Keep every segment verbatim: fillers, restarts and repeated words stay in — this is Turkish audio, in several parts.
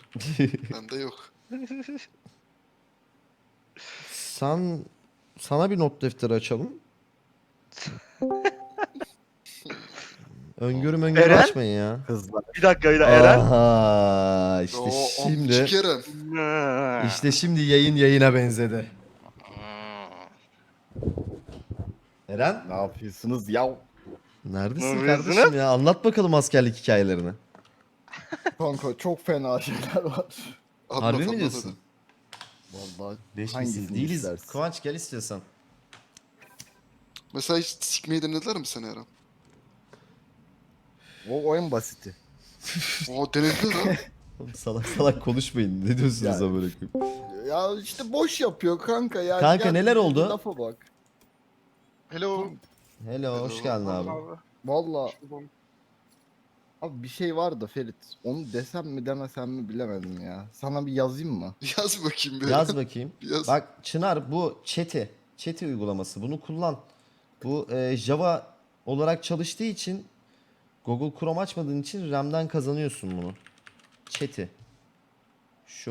Bende yok. Sen sana bir not defteri açalım. Öngörü öngörü Eren? açmayın ya. Kızlar. Bir dakika bir dakika Eren. Aha işte Oo, amcık şimdi Eren. işte şimdi yayın yayına benzedi. Eren Ne yapıyorsunuz ya? neredesin Ne kardeşim yapıyorsunuz? ya? Anlat bakalım askerlik hikayelerini. Kanka çok fena şeyler var. Anlat, Harbi mi anlat diyorsun? hadi. Vallahi Beş hangisini misin? Değiliz. istersin? Kıvanç gel istiyorsan. Mesela hiç sikmeyi denediler mi seni Eren? O oyun basiti. Oo, denediler ha. Oğlum salak salak konuşmayın. Ne diyorsunuz Yani. amına koyayım? Ya işte boş yapıyor kanka ya. Kanka Gel, neler bir oldu? Lafa bak. Hello. Hello, hoş Hello. geldin abi. Vallahi abi bir şey vardı Ferit. Onu desem mi demesem mi bilemedim ya. Sana bir yazayım mı? Yaz bakayım bir Yaz Eren. bakayım. Yaz. Bak Çınar bu chat'i, chat'i uygulaması. Bunu kullan. Bu e, Java olarak çalıştığı için Google Chrome açmadığın için RAM'den kazanıyorsun bunu. Chat'i. Şu.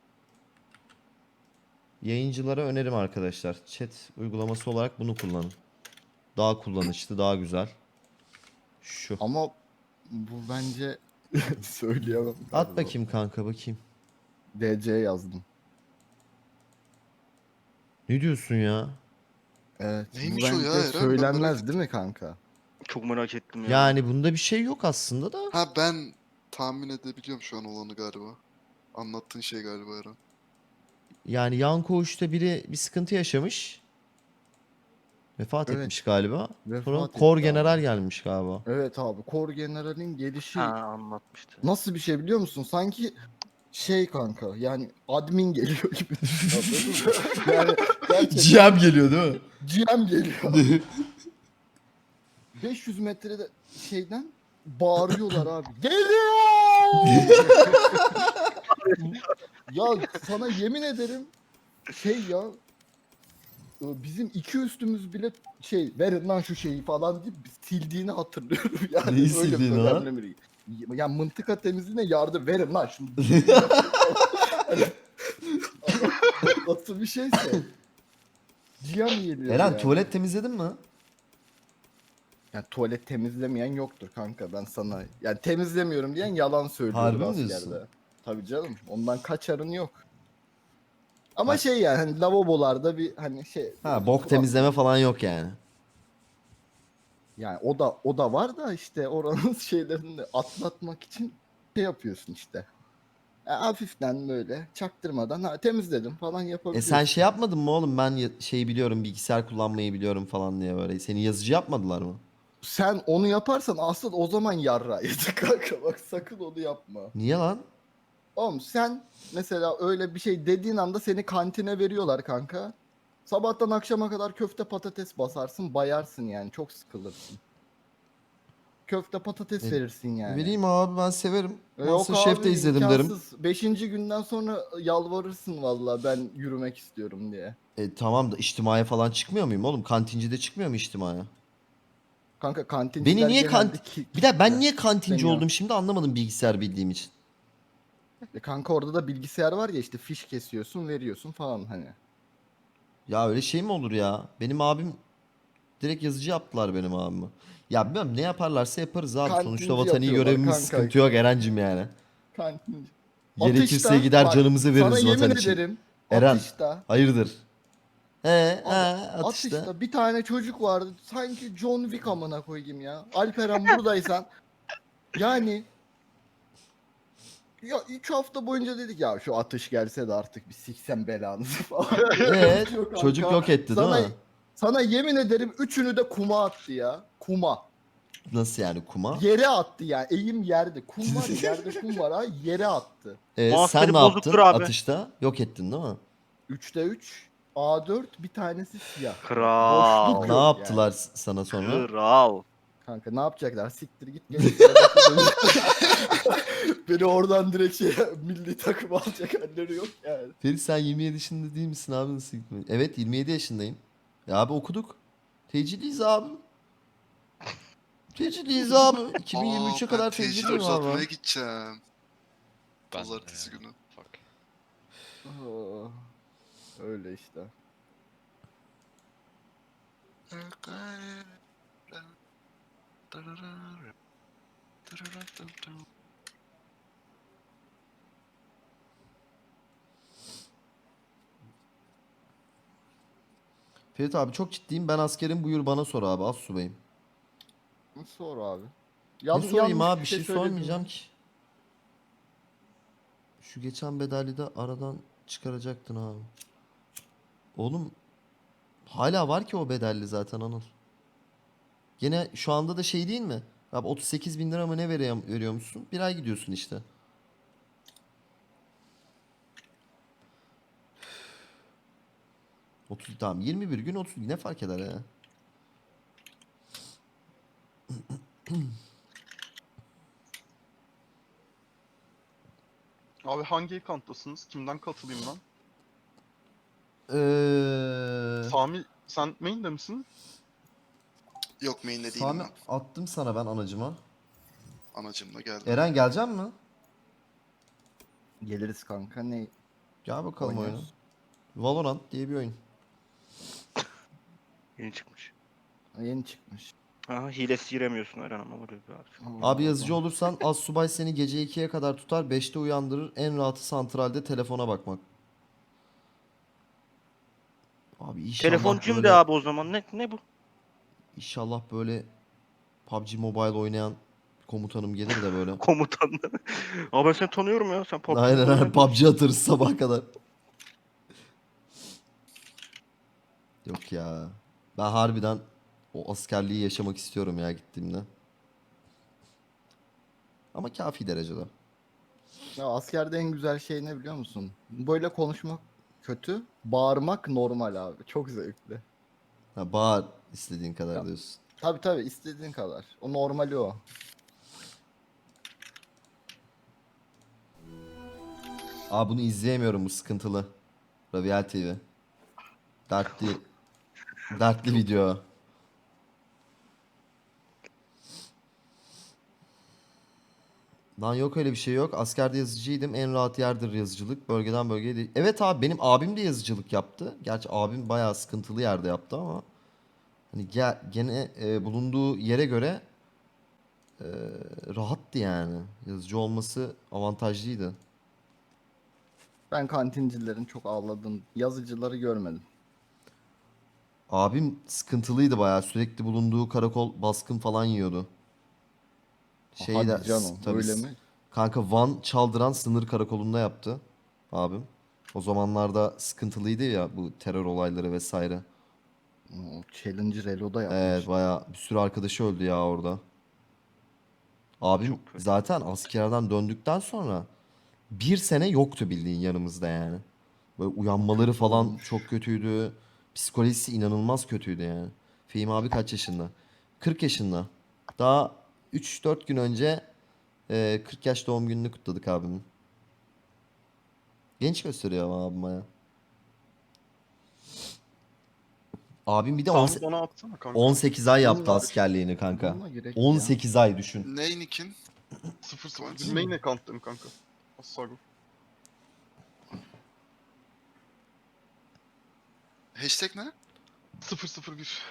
Yayıncılara önerim arkadaşlar. Chat uygulaması olarak bunu kullanın. Daha kullanışlı, daha güzel. Şu. Ama bu bence söyleyemem. At galiba. bakayım kanka bakayım. D C yazdım. Ne diyorsun ya? Evet. Neymiş bu o bence ya Eren? Ben merak söylenmez ettim. değil mi kanka? Çok merak ettim ya. Yani bunda bir şey yok aslında da. Ha, ben tahmin edebiliyorum şu an olanı galiba. Anlattığın şey galiba Eren. Yani yan koğuşta biri bir sıkıntı yaşamış. Vefat Evet. etmiş galiba. Vefat Sonra etti Kor abi. General gelmiş galiba. Evet abi. Kor General'in gelişi Ha anlatmıştı. nasıl bir şey biliyor musun? Sanki şey kanka yani admin geliyor gibi. Anladın mı? Yani gerçekten G M geliyor değil mi? G M geliyor. beş yüz metrede şeyden bağırıyorlar abi. Geliyor! Ya sana yemin ederim şey ya bizim iki üstümüz bile şey verin lan şu şeyi falan deyip sildiğini hatırlıyorum yani. Neyi öyle sildiğini bir lan? önemli biri. Ya mıntıka temizliğine yardım verin lan şunu. Nasıl bir şeyse. Cihan geliyor Eren yani. tuvalet temizledin mi? Yani tuvalet temizlemeyen yoktur kanka ben sana. Yani temizlemiyorum diyen yalan söylüyordur Harbi mi askerde. diyorsun? Tabii canım ondan kaçarın yok. Ama Ha- şey yani hani lavabolarda bir hani şey. Ha bok temizleme falan yok yani. Yani o da o da var da işte oranın şeylerini de atlatmak için şey yapıyorsun işte. Ya hafiften böyle çaktırmadan ha, temizledim falan E yapabiliyorsun. sen şey yapmadın mı oğlum ben ya- şeyi biliyorum bilgisayar kullanmayı biliyorum falan diye böyle. Seni yazıcı yapmadılar mı? Sen onu yaparsan aslında o zaman yarra yedik kanka bak sakın onu yapma. Niye lan? Oğlum sen mesela öyle bir şey dediğin anda seni kantine veriyorlar kanka. Sabahtan akşama kadar köfte patates basarsın bayarsın yani çok sıkılırsın. Köfte patates E, verirsin yani. Vereyim abi ben severim. E, Yok Masterchef abi de izledim derim. imkansız. Beşinci günden sonra yalvarırsın valla ben yürümek istiyorum diye. E tamam da içtimaya falan çıkmıyor muyum oğlum? Kantincide çıkmıyor mu içtimaya? Kanka kantinciler Beni niye genelde kant... ki- Bir de ben kitle niye kantinci istemiyor. oldum şimdi anlamadım bilgisayar bildiğim için. E kanka orada da bilgisayar var ya işte fiş kesiyorsun veriyorsun falan hani. Ya öyle şey mi olur ya? Benim abim direkt yazıcı yaptılar benim abimi. Ya bilmiyorum ne yaparlarsa yaparız abi. Sonuçta Kantinci vatani yapıyorlar görevimiz kanka. sıkıntı yok Erencim yani. Kantinci. Gerekirse Atışta, gider bak, canımızı sana veririz yemin vatan için. ederim Eren atışta hayırdır? He he abi, atışta. atışta bir tane çocuk vardı sanki John Wick amına koyayım ya. Alperen buradaysan yani ya üç hafta boyunca dedik ya şu atış gelse de artık bir siksen belanızı falan. Evet Yok kanka. çocuk yok etti sana, değil mi? Sana yemin ederim üçünü de kuma attı ya. Kuma. Nasıl yani kuma? Yere attı yani. Eğim yerde. Kum var ya yerde kum var ha yere attı. E, Muhasebeli sen ne bozuktur yaptın abi. atışta? Yok ettin değil mi? üçte üç A dört bir tanesi siyah. Kral. Boşluk Ne yok yaptılar yani. s- sana sonra? Kral. Kanka ne yapacaklar? Siktir git gel. sıradaki bölüm. Beni oradan direkt şey milli takım alacak halleri yok yani. Ferit sen yirmi yedi yaşında değil misin abi nasıl gitmedi? Evet yirmi yedi yaşındayım. Ya abi okuduk. Teciliyiz abi. Teciliyiz abi. Aa, iki bin yirmi üçe ben kadar tecili teciliyim uzatmaya abi. gideceğim. Ben de Pazartesi ya. günü. Fuck. Aa, öyle işte. Ferit abi çok ciddiyim. Ben askerim, buyur bana sor abi. Az subayım. Sor abi. Ne Yan, sorayım yanlış abi? Bir şey şey söyledim sormayacağım mi? ki. Şu geçen bedeli de aradan çıkaracaktın abi. Oğlum hala var ki o bedelli zaten Anıl. Gene şu anda da şey değil mi? Abi otuz sekiz bin lira mı ne veriyor, veriyormuşsun? Bir ay gidiyorsun işte. otuz tamam yirmi bir gün otuz ne fark eder ya? Abi hangi account'tasınız? Kimden katılayım ben? Eee Sami sen main'de misin? Yok main'de değilim Sami ben. attım sana ben anacıma. Anacımla geldim. Eren gelecek mi? Geliriz kanka. Ne Gel bakalım oyuna. oynuyoruz? Valorant diye bir oyun. Yeni çıkmış. Yeni çıkmış. Aha hilesiz giremiyorsun Eren ama böyle bir abi. Allah Abi yazıcı Allah. olursan Assubay seni gece ikiye kadar tutar, beşte uyandırır. En rahatı santralde telefona bakmak. Abi inşallah Telefoncuyum böyle de abi o zaman. Ne ne bu? inşallah böyle P U B G Mobile oynayan komutanım gelir de böyle. Komutan. Abi ben seni tanıyorum ya. Sen P U B G Aynen Mobile aynen P U B G oynuyorsun. atarız sabah kadar. Yok ya. Ben harbiden o askerliği yaşamak istiyorum ya gittiğimde. Ama kafi derecede. Ya askerde en güzel şey ne biliyor musun? Böyle konuşmak kötü, bağırmak normal abi. Çok zevkli. Ha, bağır istediğin kadar Ya, diyorsun. tabii tabii istediğin kadar. O normali o. Aa bunu izleyemiyorum, bu sıkıntılı. Raviel T V. Dertli. Dertli video. Lan yok öyle bir şey yok. Askerde yazıcıydım. En rahat yerdir yazıcılık. Bölgeden bölgeye değil. Evet abi benim abim de yazıcılık yaptı. Gerçi abim bayağı sıkıntılı yerde yaptı ama. Hani ge- gene e, bulunduğu yere göre e, rahattı yani. Yazıcı olması avantajlıydı. Ben kantincilerin çok ağladığım yazıcıları görmedim. Abim sıkıntılıydı bayağı. Sürekli bulunduğu karakol baskın falan yiyordu. Şey de Hadi canım tabii öyle mi? kanka Van Çaldıran sınır karakolunda yaptı abim. O zamanlarda sıkıntılıydı ya bu terör olayları vesaire. O Challenger Elo'da Evet yapmış. bayağı bir sürü arkadaşı öldü ya orada. Abim Çok kötü. zaten askerden döndükten sonra bir sene yoktu bildiğin yanımızda yani. Böyle O uyanmaları kötü falan olmuş. çok kötüydü. Psikolojisi inanılmaz kötüydü yani. Fehmi abi kaç yaşında? kırk yaşında. Daha üç dört gün önce e, kırk yaş doğum gününü kutladık abimin. Genç gösteriyor ama abim ya. Abim bir de on Sami bana atsana kanka. on sekiz ay yaptı Bununla, askerliğini kanka. bununla gerek ya. on sekiz ay düşün. Ney Nick'in? sıfır sıfır Kıvanç. bir main account'tayım kanka. Asarım. Hashtag ne? sıfır sıfır bir.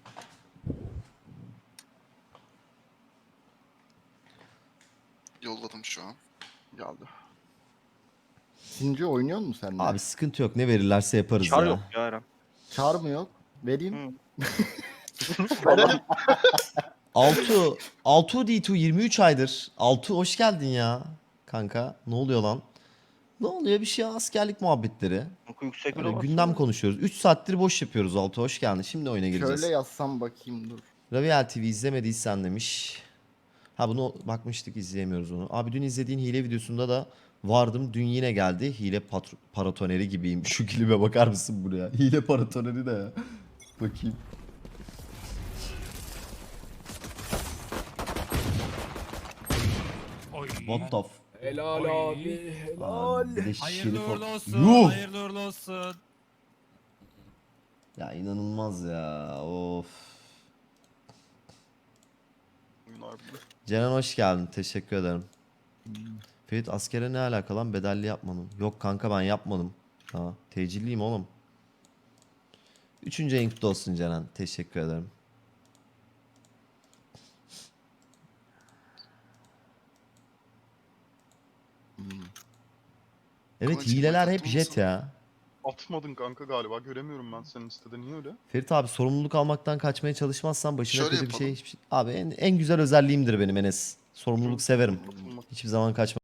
Yolladım şu an. Geldi. Sinci oynuyor musun sen de? Abi sıkıntı yok, ne verirlerse yaparız Çar ya. yok ya Eren. Çağır mı yok? Vereyim. Hı. Verelim. Altu, Altu D iki yirmi üç aydır. Altu hoş geldin ya kanka. Ne oluyor lan? Ne oluyor bir şey, askerlik muhabbetleri. Oku yüksek Öyle bile gündem baksana. konuşuyoruz. üç saattir boş yapıyoruz Altu, hoş geldin. Şimdi oyuna gireceğiz. Şöyle yazsam bakayım dur. Raviel T V izlemediysen demiş. Ha bunu bakmıştık, izleyemiyoruz onu. Abi dün izlediğin hile videosunda da vardım. Dün yine geldi. Hile patr- paratoneri gibiyim. Şu klibe bakar mısın buraya? Hile paratoneri de ya. Bakayım. What the f... Helal abi. Helal. Abi bir de Hayırlı şerif uğurlu ol- olsun. Yuh! Hayırlı uğurlu olsun. Ya inanılmaz ya. Of. Oyun harbiden. Ceren hoş geldin. Teşekkür ederim. Ferit askere ne alaka lan bedelli yapmanın? Yok kanka ben yapmadım. Ha, tecilliyim oğlum. Üçüncü ayın kutlu olsun Ceren. Teşekkür ederim. Evet Kılıç hileler kılıç hep jet atılmasın. ya. Atmadın kanka galiba. Göremiyorum ben senin listede. Niye öyle? Ferit abi sorumluluk almaktan kaçmaya çalışmazsan başına Şöyle kötü bir şey yapalım. hiçbir şey. Abi en, en güzel özelliğimdir benim Enes. Sorumluluk Hı, severim. atılmak. Hiçbir zaman kaçmam.